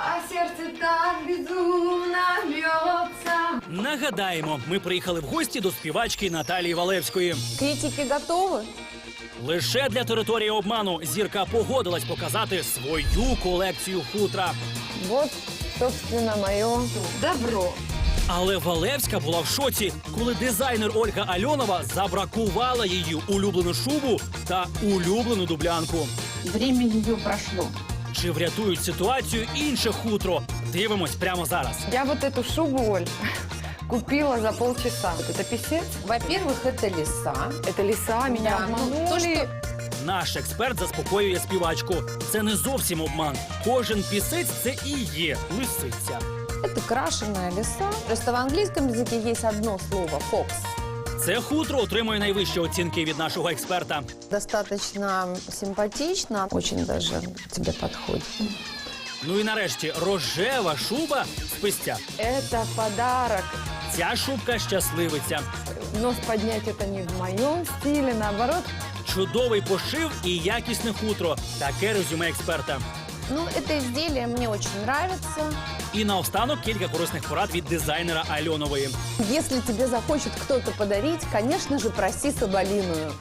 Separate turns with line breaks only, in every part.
А сердце так безумно бьется.
Нагадаємо, ми приїхали в гості до співачки Наталії Валевської.
Критики готовы?
Лише для території обману зірка погодилась показати свою колекцію хутра.
Вот, собственно, мое
Добро.
Але Валевська була в шоці, коли дизайнер Ольга Альонова забракувала її улюблену шубу та улюблену дублянку.
Время ее прошло.
Чи врятують ситуацію інше хутро? Дивимось прямо зараз.
Я вот эту шубу, Оль, купила за полчаса. Вот это писец.
Во-первых, это лиса.
Это лиса, меня
Да, ну,
обманули.
то, что
Наш експерт заспокоює співачку. Це не зовсім обман. Кожен пісець – це і є лисиця.
это крашеная лиса. Просто в английском языке есть одно слово «фокс».
Це хутро отримує найвищі оцінки від нашого експерта.
Достаточно симпатично, очень даже тебе подходит.
Ну і нарешті рожева шуба з пистя.
Это подарок.
Ця шубка щасливиця.
Нос поднять это не в моем стиле, наоборот.
Чудовий пошив і якісне хутро. Таке резюме експерта.
Ну, это изделие мне очень нравится.
І наостанок кілька корисних порад від дизайнера Альонової.
Если тебе захочет кто-то подарить, конечно же, проси соболиную.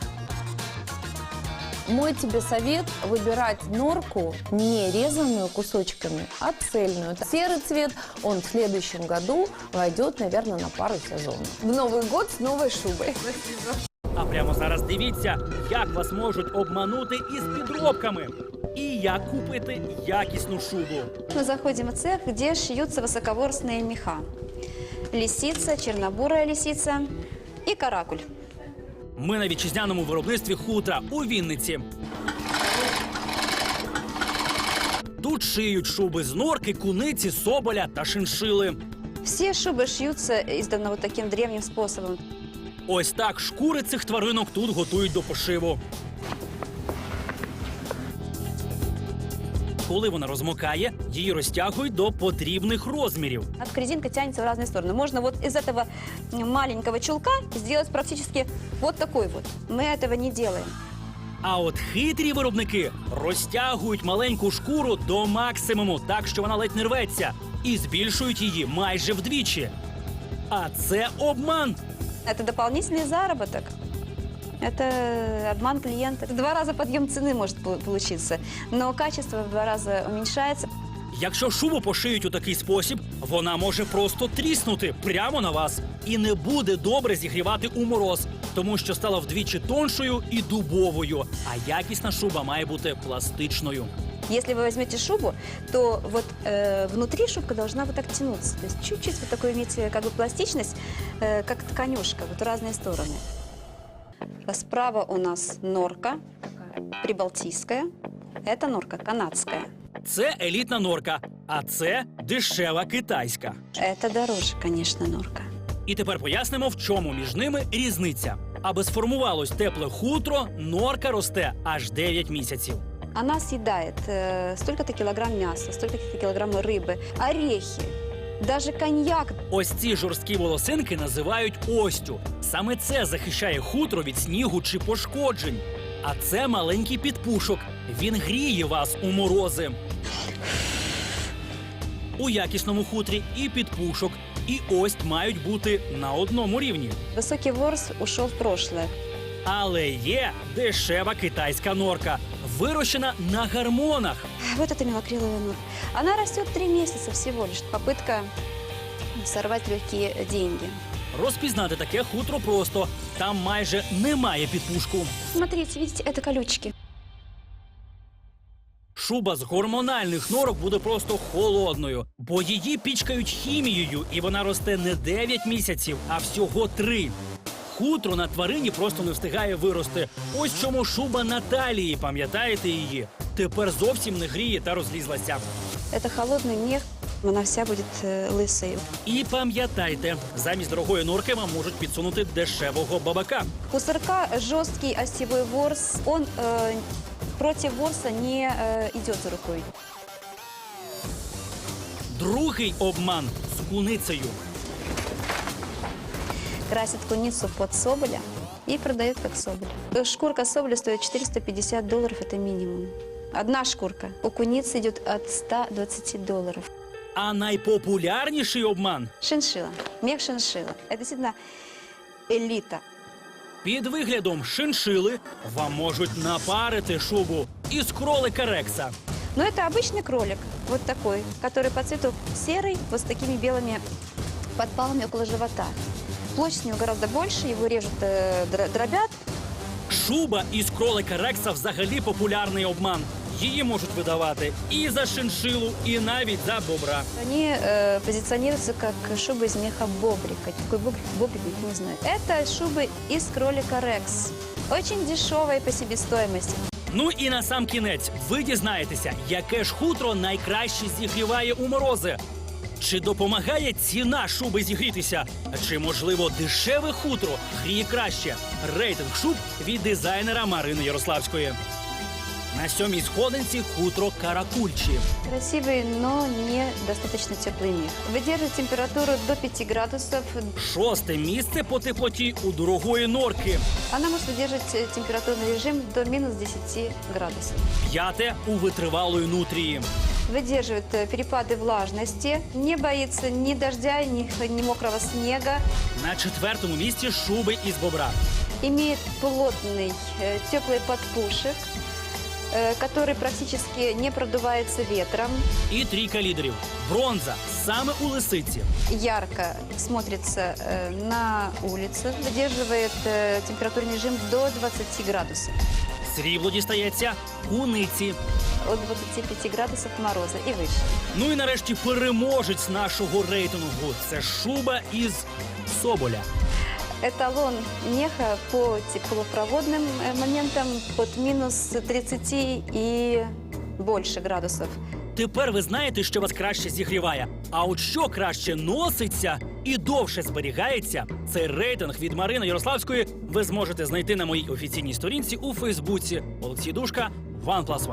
Мой тебе совет – выбирать норку не резанную кусочками, а цельную. Серый цвет, он в следующем году войдет, наверное, на пару сезонов.
В Новый год с новой шубой.
А прямо зараз дивіться, як вас можуть обманути із підробками. І як купити якісну шубу.
Мы заходим в цех, где шьются высоковорстные меха. Лисица, чернобурая лисица и каракуль.
Ми на вітчизняному виробництві хутра у Вінниці. Тут шиють шуби з норки, куниці, соболя та шиншили.
Все шубы шьются издавна вот таким древним способом.
Ось так шкури цих тваринок тут готують до пошиву. Коли вона розмокає, її розтягують до потрібних розмірів.
Резинка тянется в разные стороны. Можно вот из этого маленького чулка сделать практически вот такой вот. Мы этого не делаем.
А от хитрі виробники розтягують маленьку шкуру до максимуму, так що вона ледь не рветься, і збільшують її майже вдвічі. А це обман.
Это дополнительный заработок. Это обман клиента. В 2 раза подъем цены может получиться, но качество в 2 раза уменьшается.
Якщо шубу пошиють у такий спосіб, вона може просто тріснути прямо на вас. І не буде добре зігрівати у мороз, тому що стала вдвічі тоншою і дубовою. А якісна шуба має бути пластичною.
Если вы возьмете шубу, то вот внутри шубка должна вот так тянуться. То есть чуть-чуть вот такой иметь как бы пластичность, как тканюшка, вот в разные стороны. Справа у нас норка прибалтийская, это норка канадская.
Це елітна норка, а це дешева китайська.
Это дороже, конечно, норка.
І тепер пояснимо, в чому між ними різниця. Аби сформувалось тепле хутро, норка росте аж 9 місяців.
Она съедает столько-то килограмм мяса, столько-то килограмм рыбы, орехи, даже коньяк.
Ось ці жорсткі волосинки називають остю. Саме це захищає хутро від снігу чи пошкоджень. А це маленький підпушок. Він гріє вас у морози. У якісному хутрі і підпушок, і ость мають бути на одному рівні.
Высокий ворс ушел в прошлое.
Але є дешева китайська норка, вирощена на гормонах.
Вот это мелокриловая норка. Она растет 3 месяца всего лишь. Попытка сорвать легкие деньги.
Розпізнати таке хутро просто. Там майже немає підпушку.
Смотрите, видите, это колючки.
Шуба з гормональних норок буде просто холодною, бо її пічкають хімією, і вона росте не 9 місяців, а всього 3. Хутро на тварині просто не встигає вирости. Ось чому шуба Наталії, пам'ятаєте її? Тепер зовсім не гріє та розлізлася.
Это холодный мех. Она вся будет лысой.
І пам'ятайте, замість дорогої норки вам можуть підсунути дешевого бабака.
У сырка жесткий осевой ворс. Он против ворса не идет за рукой.
Другий обман з куницею.
Красят куницу под соболя и продают как соболь. Шкурка соболя стоит $450, это минимум. Одна шкурка. У куницы идет от $120.
А найпопулярніший обман
Шиншилла. Мех шиншилла. Это действительно элита.
під виглядом шиншили вам можуть напарити шубу із кролика Рекса.
Но это обычный кролик, вот такой, который по цвету серый, вот с такими белыми подпалами около живота. Площадь у него гораздо больше, его режут, дробят.
Шуба із кролика Рекса взагалі популярний обман. Її можуть видавати і за шиншилу, і навіть за бобра.
Они позиционируются как шубы из меха бобрика. Какой бобрик, я не знаю. Это шубы из кролика Рекс. Очень дешевые по себестоимости.
Ну і на сам кінець ви дізнаєтеся, яке ж хутро найкраще зігріває у морози. Чи допомагає ціна шуби зігрітися? Чи, можливо, дешеве хутро гріє краще? Рейтинг шуб від дизайнера Марини Ярославської. На 7-й сходинці хутро Каракульчі.
Красивый, но не достаточно теплый мех. Выдерживает температуру до 5 градусов.
6-те місце по теплоті у дорогої норки.
Она может выдерживать температурный режим до минус 10 градусов.
5-те у витривалої нутрії.
Выдерживает перепады влажности, не боится ни дождя, ни мокрого снега.
На 4-му місці шуби із бобра.
Имеет плотный теплый подпушек, который практически не продувается ветром.
І трійка лідерів. Бронза саме у лисиці.
Ярко смотрится на улице, выдерживает температурный режим до 20 градусов.
Срібло дістається куниці.
От 25 градусов мороза и выше.
Ну і нарешті переможець нашого рейтингу. Це шуба із соболя.
Эталон меха по теплопроводным моментам под минус 30 и больше градусов.
Тепер ви знаєте, що вас краще зігріває. А от що краще носиться і довше зберігається, цей рейтинг від Марини Ярославської ви зможете знайти на моїй офіційній сторінці у Фейсбуці. Олексій Душка, OnePlus One.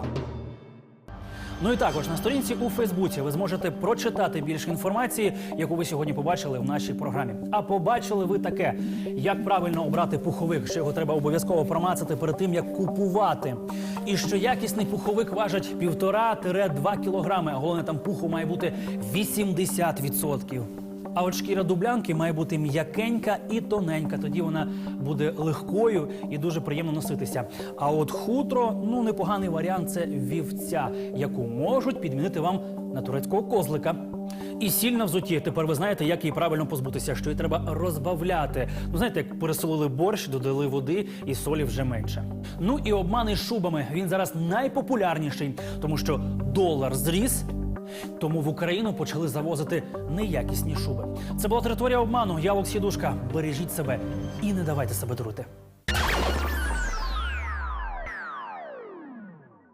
Ну і також на сторінці у Фейсбуці ви зможете прочитати більше інформації, яку ви сьогодні побачили в нашій програмі. А побачили ви таке, як правильно обрати пуховик, що його треба обов'язково промацати перед тим, як купувати. І що якісний пуховик важить 1,5-2 кілограми, а головне там пуху має бути 80%. А от шкіра дублянки має бути м'якенька і тоненька, тоді вона буде легкою і дуже приємно носитися. А от хутро, ну непоганий варіант – це вівця, яку можуть підмінити вам на турецького козлика. І сіль на взутті. Тепер ви знаєте, як її правильно позбутися, що її треба розбавляти. Ну, знаєте, як пересолили борщ, додали води і солі вже менше. Ну і обмани з шубами. Він зараз найпопулярніший, тому що долар зріс, тому в Україну почали завозити неякісні шуби. Це була територія обману. Я Олексій Душка. Бережіть себе і не давайте себе дурити.